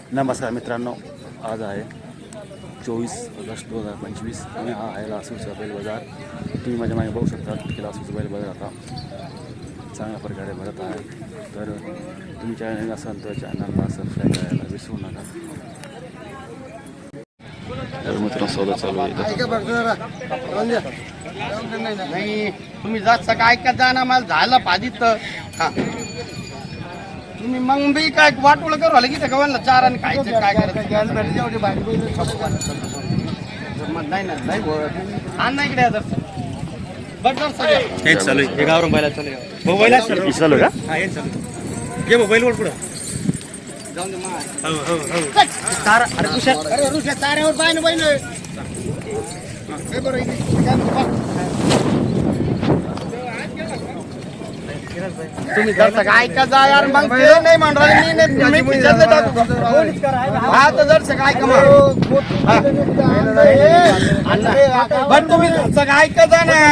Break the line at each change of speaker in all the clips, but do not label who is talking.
नमस्कार मित्रांनो, आज आहे 24 ऑगस्ट 2025 आणि हा आहे लासूरचा बैल बाजार। तुम्ही माझ्या मागे बघू शकता की लासूरचा बैल बाजार आता चांगल्या प्रकारे भरत आहे। तर तुम्ही चॅनल असाल तर चॅनलला सबस्क्राईब करायला विसरू नका। तर मित्रांनो सौदा चालू आहे।
नाही तुम्ही जास्त काय का जाना मला झालं पादित हा तुम्ही मग बी काय वाटोळ करू आले की त्या गव्हाला चार आणि खायचं काय करायचं नाही ना नाही आण इकडे आता बट
हेच चालू आहे गावरून बैला चालू आहे मोबाईल
चालू का?
हा हेच चालू घे मोबाईल वर पुढं
जाऊन दे मा
हो हो हो
तारा अरे ऋषा ताऱ्यावर पाय ना बैल हे बरं इथे तुम्ही जर काय का जा यार मग ते नाही म्हणणार मी पिक्चर टाकू हा तर जर काय का पण तुम्ही काय का जा ना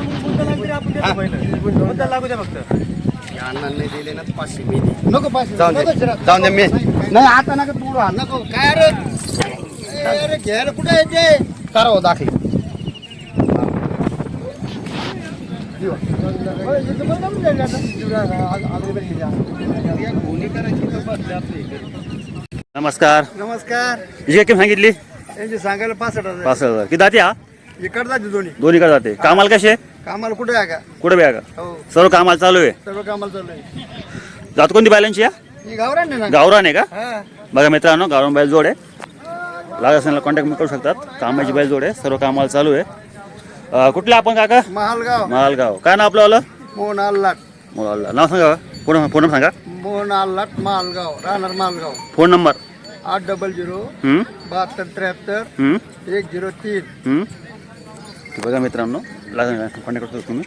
लागू द्या फक्त
अण्णा नाही दिले ना 500 मी नको 500 जाऊन दे मी नाही आता नका तू नको काय अरे घेर कुठे येते करा हो दाखल
नमस्कार।
नमस्कार
हिची किंमत सांगितली
यांची सांगायला 65,000
65,000 की जाते हा
इकडे जाते दोन्ही
दोन्ही का जाते कामाला कसे
कामाला कुठे आहे का
कुठे बी आहे का?
हो
सर्व कामाला चालू आहे।
सर्व कामाला चालू आहे
जात कोणती बैलांची या
ही गावरान आहे ना
गावरान आहे का?
हा
बघा मित्रांनो, गावरान बैल जोड आहे। लागत असेल कॉन्टॅक्ट करू शकतात। कामाची बैल जोड आहे, सर्व कामाला चालू आहे। कुठले आपण काका?
महालगाव
मालगाव। काय नाव आपलं आलं?
मोहन आल्लाट
मोलाला नाव सांगा, फोन नंबर सांगा।
मोहन आल्लाट मालगाव राहणार मालगाव
फोन नंबर
800
हम्म
7273
हम्म
103
हम्म ते बघा मित्रांनो, कॉन्टॅक्ट करतो तुम्ही।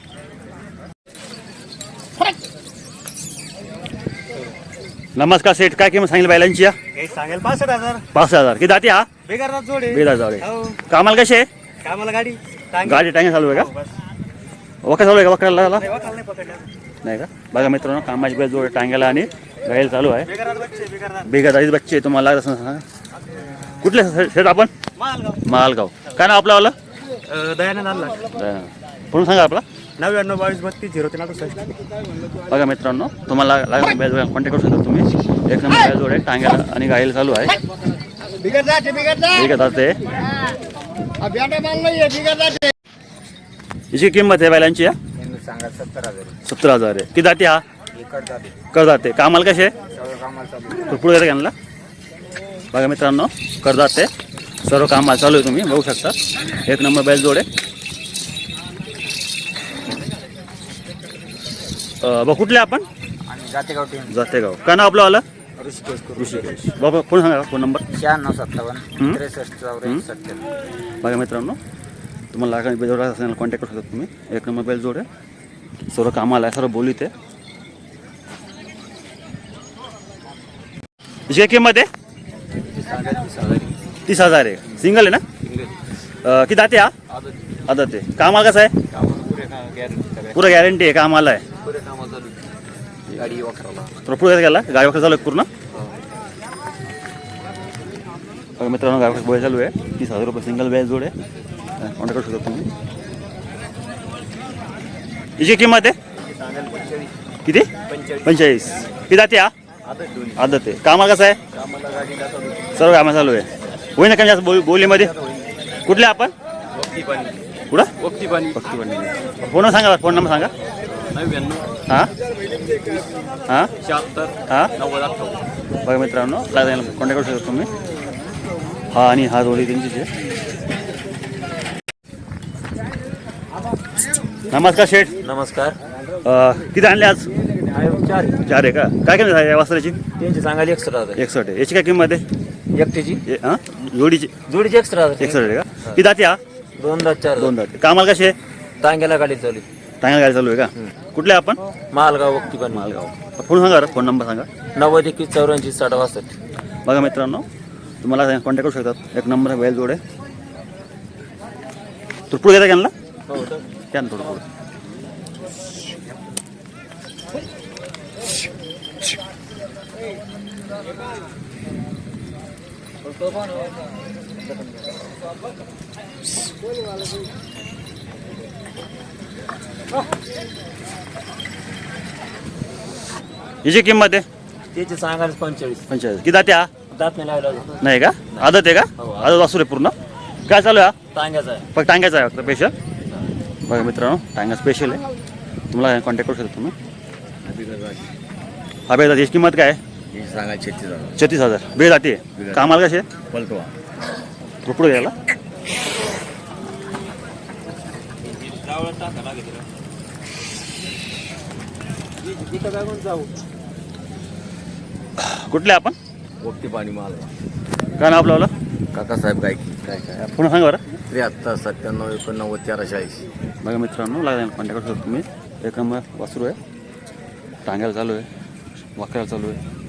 नमस्कार सेठ, काय किंमत सांगितली बैलांची या?
हे सांगेल 65,000
65,000 की जाते हा
बेगारात जोड आहे
बेदा जाऊ
हो
कामाला कसे
कामाला गाडी टांगे.
गाडी टांगे चालू आहे
हो,
का?
बस.
वका चालू आहे का? वकराला
नाही, वाकाल नाही पकडलं
नाही का? बघा मित्रांनो, कामाची बैल जोड टांग्याला आणि गायला चालू आहे।
बेगारात बच्चे बेगारात
बेगादारीच बच्चे तुम्हाला लागत असं सांगा। कुठले शेत आपण?
मालगाव
मालगाव। काय नाव आपलं आलं?
दयानंद आणला
पुढून सांगा आपला।
99 22 32 0368
बघा मित्रांनो, तुम्हाला लागत बैल कॉन्टॅक्ट करू शकता तुम्ही। एक नंबर बैल जोड आहे, टांग्याला आणि गायला चालू आहे।
बिगड जाते
ठीक आहे ते
बेटा माल नाही बिगड जाते
हिची किंमत आहे बैलांची या?
सांगा 70,000
70,000 आहे की जाते हा
इकड जाते
कर जाते कामाला कसे
सर्व कामाला चालू
पुढे येतं त्यांना। बघा मित्रांनो, कर जाते सर्व कामाला चालू आहे, तुम्ही बघू शकता। एक नंबर बैल जोड आहे। बघ कुठले आपण?
आणि जातेगाव टीम
जातेगाव। काय नाव आपलं आलं?
ऋषिकेश
ऋषिकेश। बाबा फोन सांगा, फोन नंबर
9657
हम्म.
63 64 70
बघा मित्रांनो, तुम्हाला लागणार बैल जोड असेल कॉन्टॅक्ट करू शकता तुम्ही। एक नंबर बैल जोड आहे, सर्व कामाला आहे, सर्व बोलीत आहे। हिची किंमत आहे 30,000 आहे। सिंगल आहे ना? की जाते हा आदत आहे। कामाला कसं आहे? पुरं गॅरंटी आहे, कामाला आहे।
गाडी वापरायला
तर पुढे गेला गाडी वगैरे चालू आहे पूर्ण। बघा मित्रांनो, गाडी बैल चालू आहे। 30,000 रुपये सिंगल बैल जोड आहे, कॉन्टॅक्ट करू शकता तुम्ही। हिची किंमत आहे किती? 45 की जाते हा आदत आहे। कामाला कसं आहे? सर्व कामा चालू आहे। होई ना कमी जास्त बोलीमध्ये? कुठले आपण? कुठं फक्त फोन सांगा, फोन नंबर सांगा।
99
हां हां
76
हां
90 98
बघा मित्रांनो, कॉन्टॅक्ट करू शकता तुम्ही। हा आणि हा जोडी त्यांचीच आहे। नमस्कार शेठ,
नमस्कार
किती आणले आज? 4 आहे का? काय किंमत आहे या वस्त्राची?
त्यांची सांगायला 61,000
61 आहे। याची काय किंमत आहे?
एकटीची
हां जोडीची
जोडीची 61,000
61 आहे का? किती जाते हा?
2-4
2 जाते। कामाला कसे?
टांग्याला गाडी चालू
चांगली गाडी चालू आहे का? कुठले आपण?
मालगाव वक्ती पण
मालगाव। फोन सांगा, फोन नंबर सांगा।
90 21 84 60
बघा मित्रांनो, तुम्हाला कॉन्टॅक्ट करू शकतात। एक नंबर बैल जोड आहे। तर पुढे घेता त्यांना
हो तर
त्यानं थोडं पुढे हिची किंमत आहे
त्याची सांगायला 45.
45. किती दाते हा?
दात नाही लागला अजून.
नाही का आदत आहे का?
हो,
आदत वासरू आहे पूर्ण. काय चालू आहे हा?
टांग्याचा आहे.
फक्त टांग्याचा आहे फक्त स्पेशल. बघा मित्रांनो टांगा स्पेशल आहे. तुम्हाला कॉन्टॅक्ट करू शकता तुम्ही. हा बेदाती याची किंमत काय आहे?
सांगा 36,000
36,000. बेदाती आहे. कामाला कसे
पलटवा
पुढे घ्यायला कुठले आपण
वक्ती पाणी माल
काय नाव आपलं
काकासाहेब गायकी काय काय
पुन्हा सांगा बरं.
73 97 89 440.
बघा मित्रांनो लागला कॉन्टॅक्ट करू शकतो तुम्ही. एक नंबर वासरू आहे. टांग्याला चालू आहे वाकऱ्याला चालू आहे.